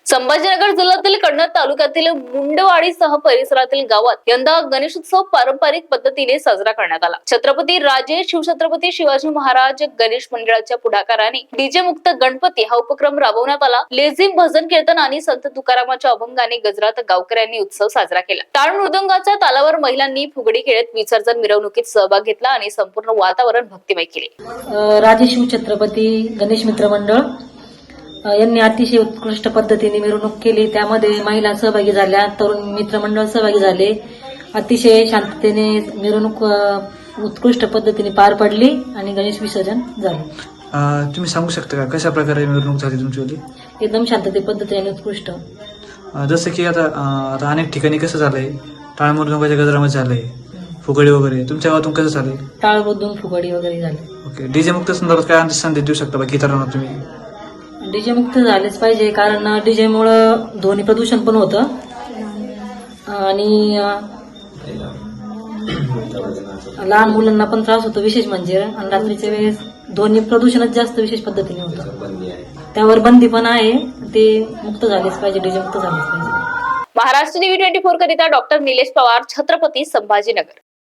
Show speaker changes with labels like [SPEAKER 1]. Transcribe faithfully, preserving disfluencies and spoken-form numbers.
[SPEAKER 1] संभाजीनगर जिल्ह्यातील कन्नड तालुक्यातील मुंडवाडीसह परिसरातील गावात यंदा गणेशोत्सव पारंपरिक पद्धतीने साजरा करण्यात आला। छत्रपती राजे शिवछत्रपती शिवाजी महाराज गणेश मंडळाच्या पुढाकाराने डीजे मुक्त गणपती हा उपक्रम राबवण्यात आला। लेझिम, भजन कीर्तन आणि संत तुकारामाच्या अभंगाने गजरात गावकऱ्यांनी उत्सव साजरा केला। टाळ मृदंगाच्या तालावर महिलांनी फुगडी खेळत विसर्जन मिरवणुकीत सहभाग घेतला आणि संपूर्ण वातावरण भक्तिमय केले।
[SPEAKER 2] राजे शिवछत्रपती गणेश मित्र मंडळ यांनी अतिशय उत्कृष्ट पद्धतीने मिरवणूक केली। त्यामध्ये महिला सहभागी झाल्या, तरुण मित्रमंडळ सहभागी झाले। अतिशय शांततेने मिरवणूक उत्कृष्ट पद्धतीने पार पडली आणि गणेश विसर्जन झाले।
[SPEAKER 3] तुम्ही सांगू शकता का कशा प्रकारे मिरवणूक झाली तुमची?
[SPEAKER 2] एकदम शांतते पद्धतीने उत्कृष्ट।
[SPEAKER 3] जसं की आता आता अनेक ठिकाणी कसं झालंय, टाळ मृदंगाच्या गजरामध्ये झालंय, फुगडी वगैरे तुमच्या गावातून कसं झालंय?
[SPEAKER 2] टाळ मृदंग फुगडी वगैरे झाली।
[SPEAKER 3] ओके, डीजे मुक्त संदर्भात काय संदेश देऊ शकता बाकी इतरांना तुम्ही?
[SPEAKER 2] डीजे मुक्त झालेच पाहिजे, कारण डीजे मुळे ध्वनी प्रदूषण पण होतं आणि लहान मुलांना पण त्रास होतो, विशेष म्हणजे आणि रात्रीच्या वेळेस ध्वनी प्रदूषणच जास्त विशेष पद्धतीने होतं। त्यावर बंदी पण आहे, ते मुक्त झालेच पाहिजे, डीजे मुक्त झालेच पाहिजे।
[SPEAKER 1] महाराष्ट्र टीव्ही ट्वेंटी फोर करिता डॉक्टर निलेश पवार, छत्रपती संभाजीनगर।